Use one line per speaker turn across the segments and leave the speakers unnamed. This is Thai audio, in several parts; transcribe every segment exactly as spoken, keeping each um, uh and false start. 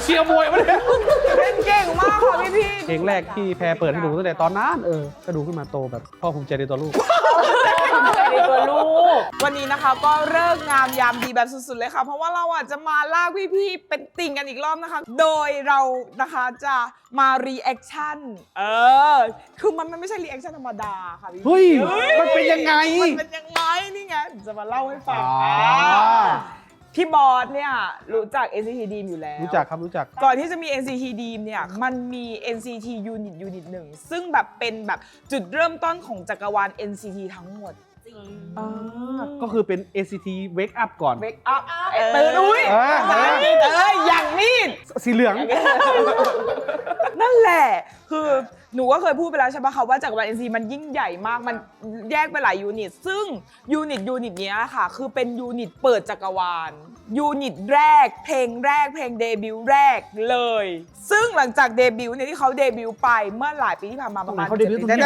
ชียร์มวยมาเลย
เป็นเก่งมากค่ะพี่พี่
เพลงแรกที่แพรเปิดให้ดูตั้งแต่ตอนนั้นเออก็ดูขึ้นมาโตแบบพ่อภูมิใจในตัวลูก
ในตัวลูกวันนี้นะคะก็เลิกงามยามดีแบบสุดๆเลยค่ะเพราะว่าเราอ่ะจะมาลากพี่ๆเป็นติ่งกันอีกรอบนะคะ โดยเรานะคะจะมารีแอคชั่นเออคือมันไม่ใช่รีแอคชั่นธรรมดาค่ะพี่
เฮ้ยมันเป็นยังไง
มันเป็นยังไงนี่ไงจะมาเล่าให้ฟัง
อ๋อ
พี่บอสเนี่ยรู้จัก เอ็น ซี ที Dream อยู่แล้ว
รู้จักครับรู้จัก
ก่อนที่จะมี เอ็น ซี ที Dream เนี่ยมันมี เอ็น ซี ที Unit Unit หนึ่งซึ่งแบบเป็นแบบจุดเริ่มต้นของจักรวาล เอ็น ซี ที ทั้งหมด
อ่าก็คือเป็น เอ็น ซี ที Wake Up ก่อน
Wake Up ตื่นอุ้ย
เออ
เอ้ยอย่างนี้
สีเหลือง
นั่นแหละคือหนูก็เคยพูดไปแล้วใช่ปะคะว่าจักรวาล เอ็น ซี มันยิ่งใหญ่มากมันแยกไปหลายยูนิตซึ่งยูนิตยูนิตเนี้ยค่ะคือเป็นยูนิตเปิดจักรวาลยูนิตแรกเพลงแรกเพลงเดบิวต์แรกเลยซึ่งหลังจากเดบิวต์เนี่ยที่เขาเดบิวต์ไปเมื่อหลายปีที่ผ่านมาประมาณ
เขาเดบิวต์ตรงนี้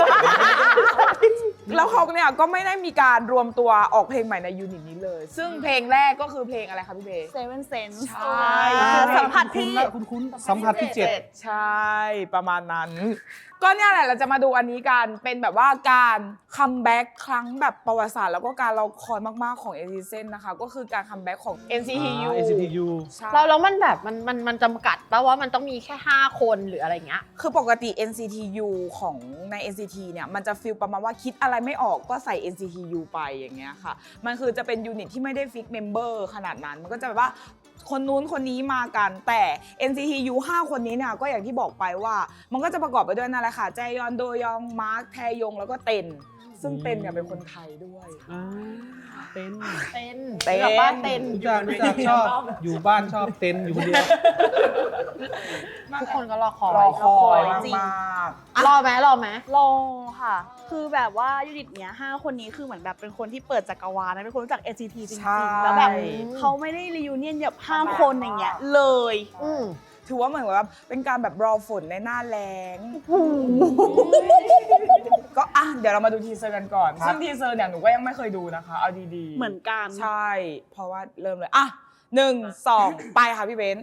แล้วเขาเนี่ยก็ไม่ได้มีการรวมตัวออกเพลงใหม่ในยูนิตนี้เลย ซึ่งเพลงแรกก็คือเพลงอะไรคะพี่เบย์
Seven Sense
ใช่
สัมผัสที่
คุ้นคุ้นสัมผัสที่เจ็ด
ใช่ประมาณนั้น ก็เนี่ยแหละเราจะมาดูอันนี้กันเป็นแบบว่าการคัมแบ็กครั้งแบบประวัติศาสตร์แล้วก็การเราคอยมากๆของ เอ็น ซี ที นะคะก็คือการคัมแบ็กของ เอ็น ซี ที ยู
อ่า เอ็น ซี ที ยู
ใช่
เราแล้วมันแบบมันมันมันจำกัดป่ะว่ามันต้องมีแค่ห้าคนหรืออะไรเงี้ย
คือปกติ เอ็น ซี ที ยู ของใน เอ็น ซี ที เนี่ยมันจะฟีลประมาณว่าคิดอะไรไม่ออกก็ใส่ เอ็น ซี ที ยู ไปอย่างเงี้ยค่ะมันคือจะเป็นยูนิตที่ไม่ได้ฟิกเมมเบอร์ขนาดนั้นมันก็จะแบบว่าคนนู้นคนนี้มากันแต่ เอ็น ซี ที ยู ห้าคนนี้เนี่ยก็อย่างที่บอกไปว่ามันก็จะประกอบไปด้วยนั่นแหละค่ะแจยอนโดยองมาร์คแทยงแล้วก็เต็นซึ่งเต็นเนี่ยเป็นคนไทยด้วย
อ่าเต้น
เต้น
เต้น
แบบบ้านเต้น
รู้จักรู้จักชอบอยู่บ้านชอบเต้นอยู่คนเดียว
ทุกคนก็รอคอย
รอคอย
จริง
มาก
รอไหมรอไหม
รอค่ะ คือแบบว่ายูนิตเนี้ยห้าคนนี้คือเหมือนแบบเป็นคนที่เปิดจักรวาลนะเป็นคนรู้จัก เอ็น ซี ที จริ
ใช่
งๆ แล้วแบบเขาไม่ได้รียูเนียนแบบห้าคนอย่างเงี้ยเลย
อืม
ถือว่าเหมือนแบบเป็นการแบบรอฝนในหน้าแล้งก็อ่ะเดี๋ยวเรามาดูทีเซอร์กันก่อน ซึ่งทีเซอร์เนี่ยหนูก็ยังไม่เคยดูนะคะ เอาดีๆ
เหมือนกัน
ใช่ เพราะว่าเริ่มเลย อ่ะหนึ่งสองไปค่ะพี่เบนซ์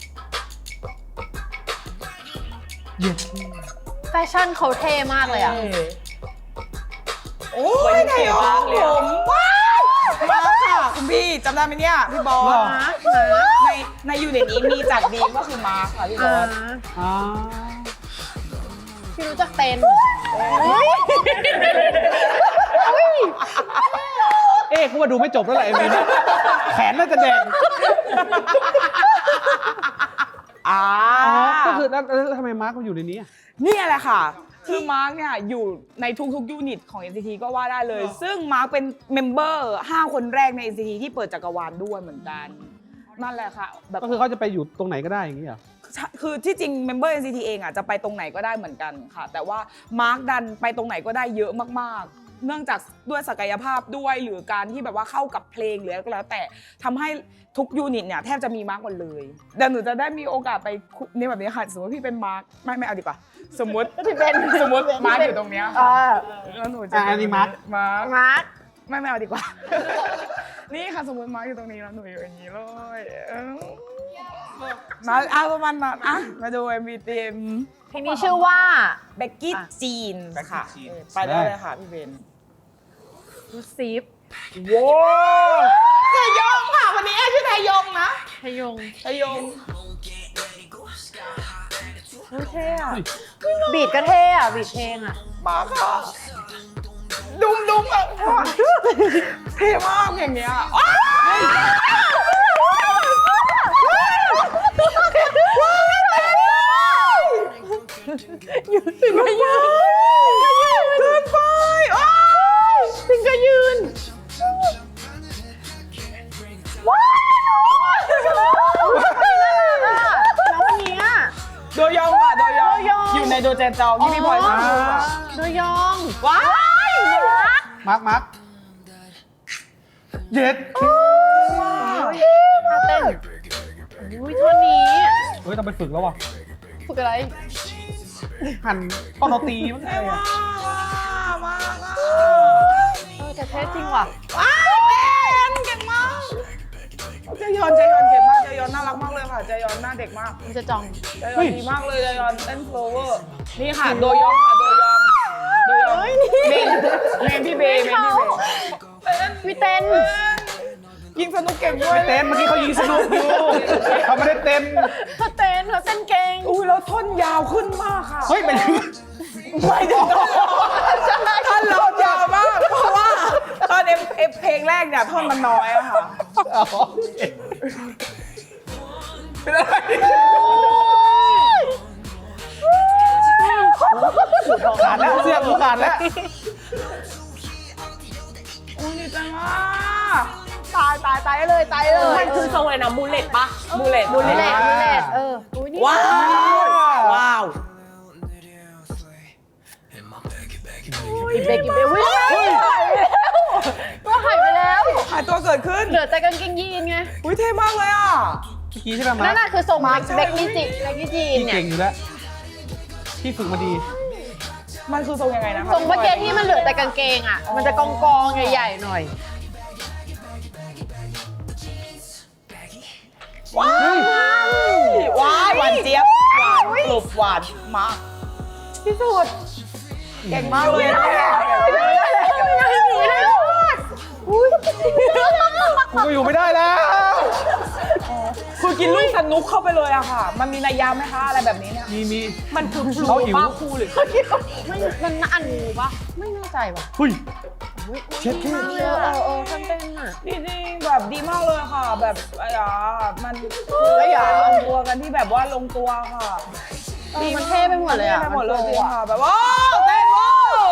แฟชั่นเขาเท่มากเลยอ่ะ
โอ้ยไทยองผมว้าวมาค่ะคุณพี่จำได้ไหมเนี่ยพี่บอส
มาร์ค
ในในยูนิตนี้มีจากดีมก็คือมาร์คค่ะพี่บอส
อ่า
พี่รู้จักเต้น
เอ๊ะเขาว่าดูไม่จบแล้วแหละเอ็มวีเนี่ยแขนน่าจะแดง
อ่า
อ๋อก็คือแล้วแล้วทำไมมาร์คมันอยู่ในนี้อะ
เนี่ยแหละค่ะ คือมาร์กเนี่ยอยู่ในทุกๆยูนิตของ เอ็น ซี ที ก็ว่าได้เลย ซึ่งมาร์กเป็นเมมเบอร์ห้าคนแรกใน เอ็น ซี ที ที่เปิดจักรวาลด้วยเหมือนกัน นั่นแหละค่ะแบบ
ก็คือเขาจะไปอยู่ตรงไหนก็ได้อย่างนี้เหรอ
คือที่จริงเมมเบอร์ เอ็น ซี ที เองอ่ะจะไปตรงไหนก็ได้เหมือนกันค่ะ แต่ว่ามาร์กดันไปตรงไหนก็ได้เยอะมากๆ เนื่องจากด้วยศักยภาพด้วยหรือการที่แบบว่าเข้ากับเพลงหรืออะไรก็แล้วแต่ทำให้ทุกยูนิตเนี่ยแทบจะมีมาร์กหมดเลยเดี๋ยวหนูจะได้มีโอกาสไปนี่แบบนี้ค่ะสมมติพี่เป็นมาร์กไม่ไม่เอาดีกว่าสมมติพี่เป็นสมมติมาร์กอยู่ตรงเนี้ยค่ะแล้วหนูจะ
อ่ะอันนี้มาร์ค
มาร์ก
มาร์ค
ไม่ไม่เอาดีกว่า นี่ค่ะสมมติมาร์กอยู่ตรงนี้แล้วหนูอยู่อย่างนี้เลยเออมาเอาประมาณนั้นอ่ะมาดู เอ็ม วี เต็ม
เพลงนี้ชื่อว่า
เบกกี้จีนค่ะ
Becky Jean
เออไปได้เลยค่ะพี่เบน
รูซีฟ
ว้าวไทยงค่ะวันนี้ชื่อไทยงนะ
ทยง
ไทยง
เท่อะบีดก็เท่อะบีดเพลงอะ
มาค่ะดุมดุมอ่ะเท่มากอย่างเงี้ยอ้าวยืนถึงก็ยืนเกินไปอ้าวถึงก็ยืนว้าว
แล้ววันนี้อะ
โดยองค่ะโดยอง
โดยอง
อยู่ในโดเจนจองที่พี่พลอยมา
อ๋อ
โดยอง
ว้าว
มาร์คมาร์คเย็ด
ท่าเต้นอุ้ยท่อนนี้
เฮ้ยต้องไปฝึกแล้วว่ะ
ฝึกอะไร
หั่นตอนเราตีมันไง
ว้า
อะ
วว้าวว้าว
เออแต่เท่จริงว่ะ
ว้าวเป็นเก่งมากเจยอนเจยอนเก่งมากจยอนน่ารักมากเลยค่ะเจยอนหน้าเด็กมาก
มันจะจอง
เจยอนดีมากเลยเจยอนเต้นโฟลเวอร์นี่ค่ะโดยองค่ะโดยองโดยองเมนเมนพี่เบย์เมนพี่เบย์
วิเต้น
ยิงสนุกเก่งด้วย
เต้นเมื่อกี้เขายิงสนุกอยู่เขาไม่ได้เต้น
เขาเต้นเขาเต้นเก่ง
อุ้ยแล้วท่อนยาวขึ้นมากค่ะ
เฮ้ยเป็น
ไม่ถึงท่อนเรายาวมากเพราะว่าตอนเอ็มเอฟเพลงแรกเนี่ยท่อนมันน้อยอะค่ะเป็นอะไร
ขาดแล้วเสื้อกูขาดแล้ว
อุ้ยดีใจมาก
ตายตายตายเลยตายเลย
มันคือทรงอะไรนะมูเลตปะ
บูเลต
บุลเลตบุลเลตเอออุ้ยนี่
ว้าวว้าว
อีเบกอีเบกวิ่งตัวหายไปแล้ว
หายตัวเกิดขึ้น
เหลือแต่กางเกงยีนไง
อุ้ยเท่มากเลยอ่ะ
เมื่อกี้ใช่ไหมมา
นั่นน่ะคือทรง
มาร์ค
เบกกี้จีเบกกี้จีน
พี่
เนี่ย
เก่งอยู่แล้วพี่ฝึกมาดี
มันคือทรงยังไงนะคะ
ทรงเมื่อกี้ที่มันเหลือแต่กางเกงอ่ะ มันจะกองกองๆใหญ่ๆหน่อย
ว้าวว้าวหวานเจี๊ยบหวานกรุบหวานมาก
ที่สุด
เก่งมากเลยนะ
อุ้ย
กูก็อยู่ไม่ได้แล้ว
คือกินลูกสนุกเข้าไปเลยอะค่ะ มันมีนัยยะไหมคะอะไรแบบนี้เนี่ย
มีมี
มันคือพลู
เขาหิว
ป้าครูหรือเขาหิว
ไม่มันอันงูปะไม่แน่ใจว่ะ
เฮ้ยเช็ดแค่
เออเออเออฉันเป็นอ่ะ
จริงๆแบบดีมากเลยค่ะ แบบอะไรอ่ะมัน
ไอ้หยา
ลงตัวกันที่แบบว่าลงตัวค่ะ
เออมันเท่ไปหมดเลยอ่ะ
เท่ไปหมดเลย
น
จริ
โต
งค่ะแบบว่าเต้นว้าว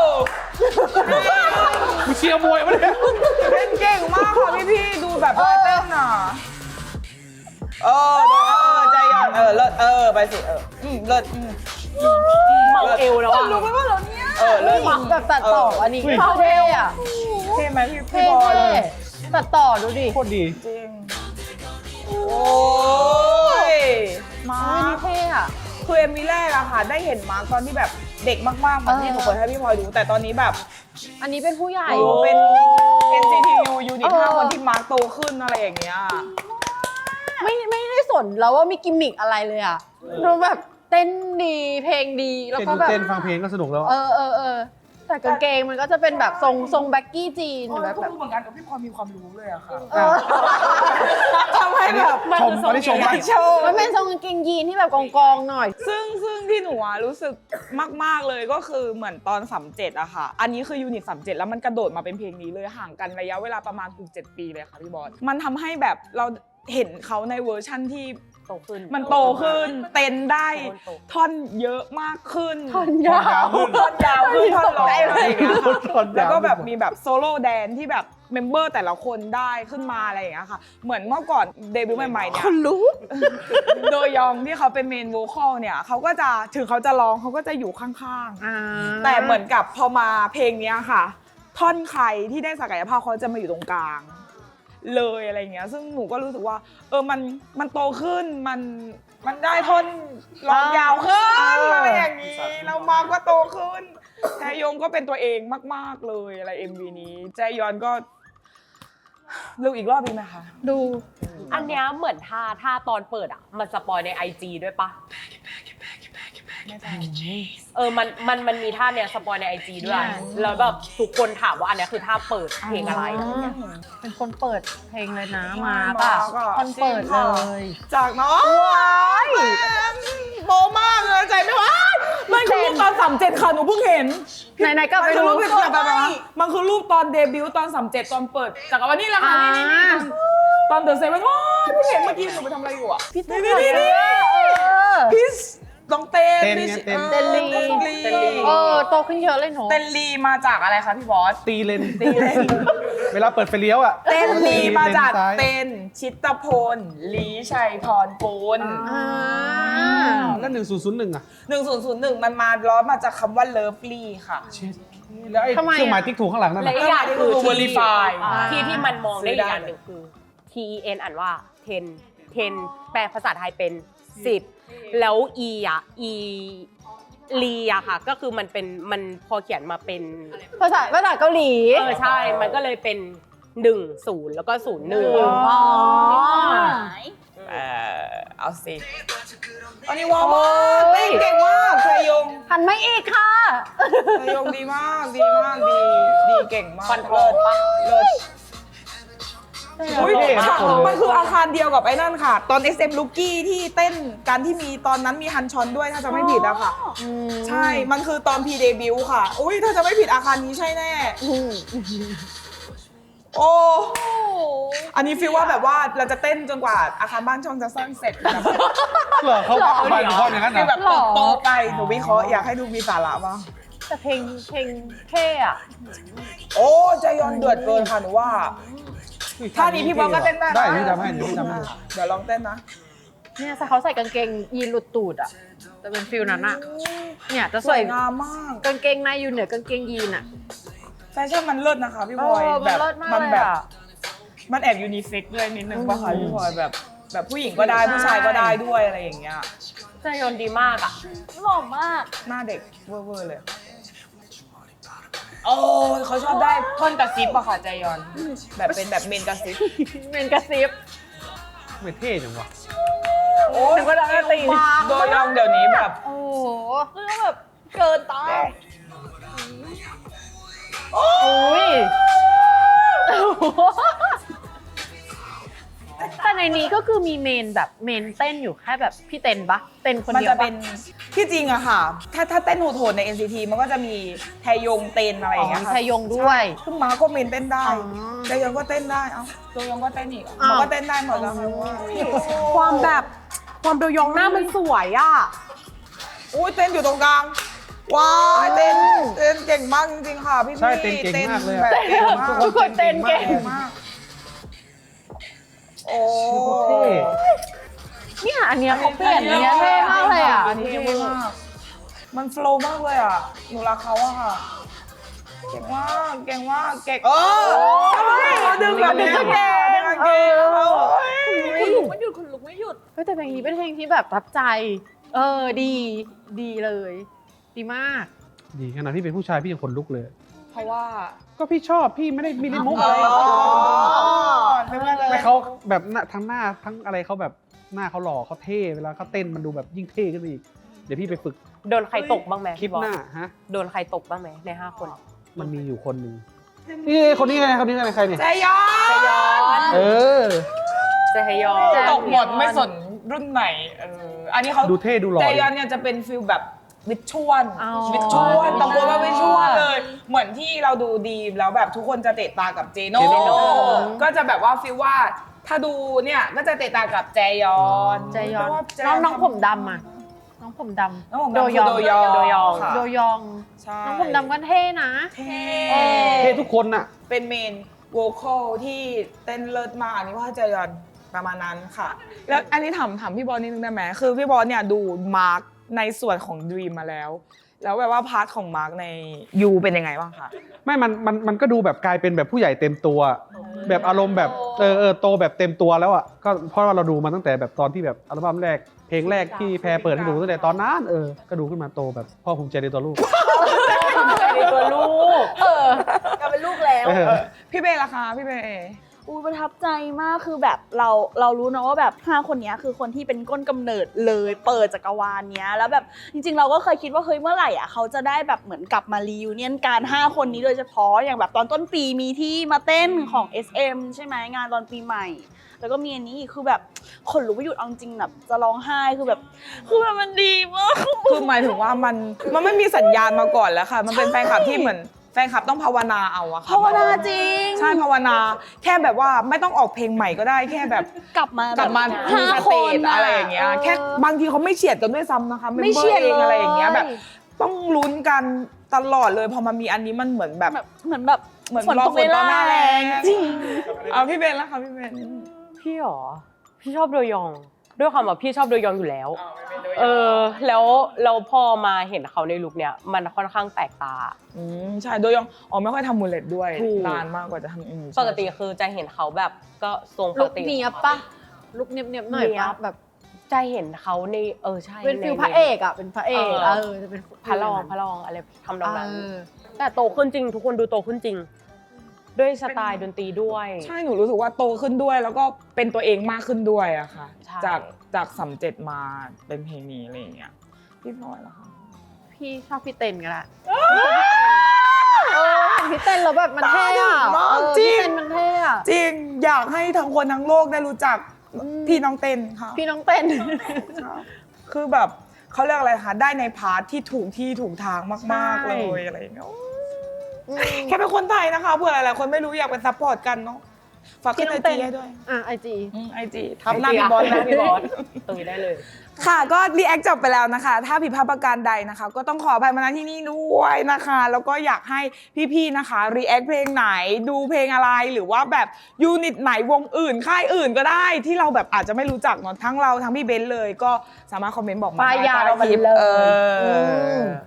กูเชียร์มวยมาเนี่ย
เต้นเก่งมากค่ะพี่พี่ๆดูแบบว่าเต้นอ่ะเออเออใจเย็นเออเลิศเออไปสิเอออืมเลิศอืม
เมาเอวแล้ว
ค
อะ
นรู้ไหมว่าเราเนี่ยเออเลิศ
แบบตัดต่ออันนี้เข้าเท่อะ
เท่ไหมพี่
เท่
พี่บอล
เท่ตัดต่อดูดิ
โคตรดี
จริงโอ้ยมา
เฮ้ยนี่เท่อะ
คือเอ็มวีแรกอะค่ะได้เห็นมาร์คตอนที่แบบเด็กมากๆเหมือนที่หนูเคยให้พี่พลอยดูแต่ตอนนี้แบบ
อันนี้เป็นผู้ใหญ่
โอ้เป็น เอ็น ซี ที ยู ยูนิต
เออ
ห้าคนที่มาร์คโตขึ้นอะไรอย่างเงี้ย
ไม่ไม่ได้สนแล้วว่ามีกิมมิกอะไรเลยอะดูแบบเต้นดีเพลงดีแล้ว
เต้น
ก็แบบ
เต้นฟังเพลงก็สนุกแล้ว
เออเออเออแต่กางเกงมันก็จะเป็นแบบทรงทรงแบ็กกี้จีน
เออ
แบบ
ก็
แบบ
รู้เหมือนกันกับพี่พลอยมีความรู้เลยอะค่ะ
เออ
ทำให้แบบ
ชมไม่ได้ชม
อยากโชว์
มันเป็นทรงกางเกงยีนที่แบบกองกองๆหน่อย
ซึ่งซึ่งที่หนูอะรู้สึกมาก ๆ เลยก็คือเหมือนตอนสามเจ็ดอะค่ะ อันนี้คือยูนิตสามเจ็ดแล้วมันกระโดดมาเป็นเพลงนี้เลยห่างกันระยะเวลาประมาณเกือบเจ็ดปีเลยค่ะพี่บอสมันทำให้แบบเราเห็นเขาในเวอร์ชั่นที่
โตขึ้น
มันโตขึ้นเต้นได้ท่อนเยอะมากขึ้น
ท่อนยาว
ท่อนยาวขึ้นท่อนร้องอะไรอย่างเงี้ยค่ะ
ท่อนยาว
แล้วก็แบบมีแบบโซโล่แดนที่แบบเมมเบอร์แต่ละคนได้ขึ้นมาอะไรอย่างเงี้ยค่ะ เหมือนเมื่อก่อนเดบิวต์ใหม่ๆเนี่ย
รู้
โดยยองที่เขาเป็นเมนโวคอลเนี่ยเขาก็จะถึงเขาจะร้องเขาก็จะอยู่ข้าง
อ่า
ๆ แต่เหมือนกับพอมาเพลงเนี้ยค่ะ ท่อนใครที่ได้ศักยภาพเขาจะมาอยู่ตรงกลาง เลยอะไรเงี้ยซึ่งหนูก็รู้สึกว่าเออมันมันโตขึ้นมันมันได้ท่อนร้องยาวขึ้นอะไรอย่างนี้แล้วมาก็โตขึ้นแจยงก็เป็นตัวเองมากๆเลยอะไร เอ็ม วี นี้แจยอนก็ดูอีกรอบดีไหมคะ
ดู
อันเนี้ยเหมือนท่าท่าตอนเปิดอ่ะ มันสปอยใน ไอ จี ด้วยปะเออมันมันมันมีท่าเนี้ยสปอยใน ไอ จี ด้วย แล้วแบบทุกคนถามว่าอันเนี้ยคือท่าเปิดเพลงอะไร
เป็นคนเปิดเพลงเลยนะมาป่ะ
มาก็
คนเปิดเลย
จากน้องโบมากเลยใจไม่ว่ามันคือรูปตอนสามเจ็ดค่ะหนูเพิ่งเห็น
ไหนๆก็ไป
มันคือ
ดู
รูปเป็นแบบแบบว่ามันคือรูปตอนเดบิวต์ตอนสามเจ็ดตอนเปิดจากวันนี้แหละค่ะนี่นี่นี่ตอนเดอะเซเว่นว้าวเพิ่งเห็นเมื่อกี้หนูไปทำอะไรอยู่อ่ะ
พี่ตุ๊ก
นี่นี่นี่
เออ
พี่น้องเต้น
เต้น
พี่
ไงเต้น
เต้นลี
เต้นลี
เต้นลี
เออโตขึ้นเยอะเลยเนาะ
เต้นลีมาจากอะไรคะพี่บอส
ตีเลน
ตีเลน
เวลาเปิดไฟเลี้ยวอ่ะ
เต้นลีมาจาก
เลนซ้ย
เต้นชิตพลลีชัยพรปูน
อ่า
แล้วหนึ่งศูนย์ศูนย์หนึ่งอ่ะ
หนึ่งศูนย์ศูนย์หนึ่งมันมาล้อมาจากคำว่าเลิฟลี่ค่ะ
เช็ดแล้วไอ้
ทำไมอะ
เครื่องหมายติ๊กถูกข้างหลังนั่น
และ
น่ะ
อีกอย่างคือ
คือ verify
ที่ที่มันมองได้
ซื้อได้
อีกอย่างหนึ่งคือ ที อี เอ็น อ่านว่า ten ten แปลภาษาไทยเป็นสิบแล้ว e อ่ะ e ลีอะค่ะ ก็คือมันเป็นมันพอเขียนมาเป็น
ภาษาภาษาเกาหลี
เออใช่ มันก็เลยเป็นหนึ่งศูนย์แล้วก็ศูนย์หนึ่ง
อ๋อ
ม
เออเอาสิอันนี้ว้าวมากเต้นเก่งมากเทยง
หันมาอีกค่ะ
เทยงดีมากดีมากดีดีเก่งมาก
ฟันทองปะ
เลิศ อุ้ย
เท่
ฉาก
ทุกคนเลย
มันคืออาคารเดียวกับไอ้นั่นค่ะ ตอน เอ็กซ์ เอ็ม Rookie ที่เต้นการที่มีตอนนั้นมีฮันชอนด้วยถ้าจะไม่ผิดอะค่ะ ใช่ มันคือตอนพีเดบิวค่ะ อุ้ยถ้าจะไม่ผิดอาคารนี้ใช่แน่ โอ้ อันนี้ฟีลว่าแบบว่าเราจะเต้นจนกว่าอาคารบ้านช่องจะสร้างเสร็จแบบ
เหรอเขาบานเขาอย่างนั้น
ฟีล
นะ
แบบโตๆไปหนูวิเคราะห์อยากให้ดูมีสาระบ้าง
แต่เพลงเพลงเท่อะ
โอ้ใจยอนเดือดเกินค่ะหนูว่าท่านี้พี่บอลก็เต้นได้นะ
ได้พี่จำให้เดี๋ยวพี่จำให้
เดี๋ยวลองเต้นนะ
เนี่ยเขาใส่กางเกงยีนหลุดตูดอะจะเป็นฟิลนั้นอะเนี่ยจะ
ส
ใส่
วยงามมาก
กางเกงในอยู่เหนือกางเกงยีนอะ
แฟชั่นมันเลิศนะคะพี่
เอบ
อย
อ
แบ
มัน
บ
เลิศมาก
มัน
เลย
แบบ
อะ
มันแอบยูนิเซ็กซ์ด้วยนิดนึงป่ะคะพี่บอยแบบแบบผู้หญิงก็ได้ผู้ชายก็ได้ด้วยอะไรอย่างเงี้ย
ใจยอนดีมากอ่ะ
หล่อมาก
หน้าเด็กเวอร์ๆเลยโอ้ยเขาชอบได้ท่อนกระซิบอะค่ะใจยอน แบบเป็นแบบเมนกระซิบ
เมนกระซิบ
ไม่เท่จังวะ
โอ้ย
นึกว่าเราจะตี
โดยยองเดี๋ยวนี้แบบ
โอ้โห
คือแบบเกินต้าน
โอ้ยแต่ในนี้ก็คือมีเมนแบบเมนเต้นอยู่แค่แบบพี่เต้นปะเต้นคน
มัน
เดียว
จะ
ปะ
เป็นที่จริงอะค่ะ ถ้าถ้าเต้นโหดๆใน เอ็น ซี ที มันก็จะมีแทยงเต้นอะไรอย่างเงี้ย
อ๋อ
ค่ะ
ชายงด้วย
ซึ่งม้าก็เมนเต้นได้
อ๋อ
ใจยองก็เต้นได้ เอ้าโดยองก็เต้นอีก
อ้าว
มันก็เต้นได้หมดแล้วค่ะว่า
ความแบบความโดยองหน้ามันสวยอ่ะ
อุ้ยเต้นอยู่ตรงกลาง ว้ายเต้นเต้นเก่งมากจริงๆค่ะพี่
ใช่เต้นเก่งมากเลยอะ
แบบเก่งมาก
ทุกคนเต้นเก่ง
มากโอ้
เท่
เนี่ยอันเนี้ยเขาเปลี่ยนอันเนี้ยเท่มากเลยอ่ะ
อันนี้เท่มากมันโฟล์มากเลยอ่ะหนูรักเขาอะค่ะ เก่งมากเก่งมากเก่งเออเขาดึงแบบนี้เก่งดึงเก่งเขา
คุณลุกไม่หยุดคุณลุกไม่หยุด
เฮ้ยแต่เพลงนี้เป็นเพลงที่แบบประทับใจ เออดีดีเลย ดีมาก
ดีขนาดพี่เป็นผู้ชายพี่ยังขนลุกเลย
เพราะว่า
ก็พี่ชอบพี่ไม่ได้มีเล่นมุก
อ๋
อะไร
อนึกว่าเลย
แต่เขาแบบหน้าทั้งหน้าทั้งอะไรเขาแบบหน้าเขาหล่อเขาเท่เวลาเขาเต้นมันดูแบบยิ่งเท่ขึ้นไปอีกเดี๋ยวพี่ไปฝึก
โดนใครตกบ้างไหม
คลิป
พี่บอ
ห
ส
น้าฮะ
โดนใครตกบ้างไหมในห้าคน
มันมีอยู่คนหนึ่งนี่คนนี้ไงคนนี้ไงใครเนี่ย
ใจยอน
ใจยอน
เออ
ใจฮยอน
ตกหมดไม่สนรุ่นไหนเอออันนี้เขา
ดูเท่ดูหล่อ
ใจยอนเนี่ยจะเป็นฟิลแบบวิชวล
อ๋อ
วิชวลตะโกนว่าวิชวลเลย เหมือนที่เราดูดีมแล้วแบบทุกคนจะเตะตากับเจโน่
เจโน่
ก็จะแบบว่าฟิลว่าถ้าดูเนี่ยก็จะเตะตากับแจยอน
ใจยอน
เพราะว่าแจ
น้องน้องผมดำอ่ะ น้องผมด
น้องผม
ำ
ดำคือโดยอง
โดยอง
ค่ะ
โดยอง
ใช่
น้องผมดำก็เท่นะ
เท่
เท่ทุกคนน่ะ
เป็นเมนโวคอลที่เต้นเลิศมากอันนี้ว่าแจยอนประมาณนั้นค่ะ แล้วอันนี้ถามถามพี่บอลนิดนึงได้ไหมคือพี่บอลเนี่ยดูมาร์กในส่วนของดรีมมาแล้ว แล้วแบบว่าพาร์ทของมาร์กในยูเป็นยังไงบ้างคะ
ไม่มันมันมันก็ดูแบบกลายเป็นแบบผู้ใหญ่เต็มตัว แบบอารมณ์แบบเออเออโตแบบเต็มตัวแล้วอ่ะก็เพราะว่าเราดูมาตั้งแต่แบบตอนที่แบบอัลบั้มแรกเพลงแรกที่แพรเปิดให้ดูตั้งแต่ตอนนั้นเออก็ดูขึ้นมาโตแบบพ่อภูมิใจในตัวลูก
ในตัวลูก
เออ
กลายเป็นลูกแล้ว
เออ
พี่เบย์ล่ะคะพี่เบย์
อุ้ยประทับใจมากคือแบบเราเรารู้นะว่าแบบห้าคนเนี้ยคือคนที่เป็นก้นกำเนิดเลยเปิดจักรวาลเนี้ยแล้วแบบจริงๆเราก็เคยคิดว่าเฮ้ยเมื่อไหร่อ่ะเขาจะได้แบบเหมือนกลับมารีวิวเนียนการห้าคนนี้โดยเฉพาะอย่างแบบตอนต้นปีมีที่มาเต้นของ เอส เอ็ม ใช่ไหมงานตอนปีใหม่ แล้วก็มีอันนี้อีกคือแบบขนลุกไม่หยุดเอาจริงแบบจะร้องไห้คือแบบคือแบบมันดีมาก
คือหมายถึงว่ามันมันไม่มีสัญญาณมาก่อนแล้วค่ะ มันเป็นแฟนคลับที่เหมือนแฟนคลับต้องภาวนาเอาอะค่ะ
ภาวนาจริง
ใช่ภาวนาแค่แบบว่าไม่ต้องออกเพลงใหม่ก็ได้แค่แบบ
กลับมาก
ลับมา
ห้า
ส
ค
เต
น
จอะไรอย่างเงี้ยแค่บางทีเขาไม่เฉียดกันด้วยซ้ำนะคะ
ไม่เฉียด
เองอะไรอย่างเงี้ย
เลย
แบบต้องลุ้นกันตลอดเลยพอมามีอันนี้มันเหมือนแบบ
แบบเหมือนแบบ
เหมือน
ฝน
รอ
ตก
ฝนตอนหน้าแรง
จริง
เอาพี่เบนแล้วค่ะพี่เบน
พี่หรอ พี่ชอบโดยอง ด้วยความว่าพี่ชอบโดยองอยู่แล้ว เออ แล้วเราพอมาเห็นเขาในลุคเนี้ยมันค่อนข้างแปลกตา
อืมใช่โดยยังอ๋อไม่ค่อยทำมูลเลตด้วย
ถูก
นานมากกว่าจะทำอืม
ปกติคือจะเห็นเขาแบบก็ทรงป
ลุ
ก
ก
ติ
เนียบปะลุกเนียบเนียบๆหน่อย
เนี๊ย
ปะ
บ
แบบ
จะเห็นเขาในเออใช่
เป็นฟิล
ใน
พระเอกอ่ะเป็นพระเอก
เออ
เออจะเป็น
พระรองพระรองอะไรทำนองนั้น
เออ
แต่โตขึ้นจริง ทุกคนดูโตขึ้นจริงด้วยสไตล์ดนตรีด้วย
ใช่หนูรู้สึกว่าโตขึ้นด้วย แล้วก็เป็นตัวเองมากขึ้นด้วยอะค่ะ
ใช่
จากจากสำเจ็ดมาเป็นเพลงนี้อะไรอย่างเงี้ยพี่พลอยล่ะคะ
พี่ชอบพี่เต้นก็ได้เออเห็นพี่เต้นแล้วแบบมันเท่อะ
มาก
เออ
จริ
พี่
ง
เต้นมันเท่อะ
จริงอยากให้ทั้งคนทั้งโลกได้รู้จักพี่น้องเต้นค่ะ
พี่น้องเต้น
คือแบบเขาเรียกอะไรคะได้ในพาร์ทที่ถูกที่ถูกทางมากๆ
ใช่
เลยอะไรอย่างเงี้ยแค่เป็นคนไทยนะคะเผื่อหลายๆคนไม่รู้อยากเป็นซัพพอร์ตกันเนาะฝากขึ้นไอจีให้ด้วย
อ่ะไอจี
ไอจีทับหน้าพี่บอล
หน้า
นะ
พี่บอลตรงนี้ได้เลย
ค่ะก็รีแอคจบไปแล้วนะคะ ถ้าผิดพลาดประการใดนะคะ ก็ต้องขออภัยมาณที่นี่ด้วยนะคะ แล้วก็อยากให้พี่ๆนะคะรีแอคเพลงไหนดูเพลงอะไรหรือว่าแบบยูนิตไหนวงอื่นค่ายอื่นก็ได้ที่เราแบบอาจจะไม่รู้จักเนาะทั้งเราทั้งพี่เบนซ์เลยก็สามารถคอมเมนต์บอกมา
ป้าย
ได้
ยา
ใต้คลิป
มาเลย
เอออ
ม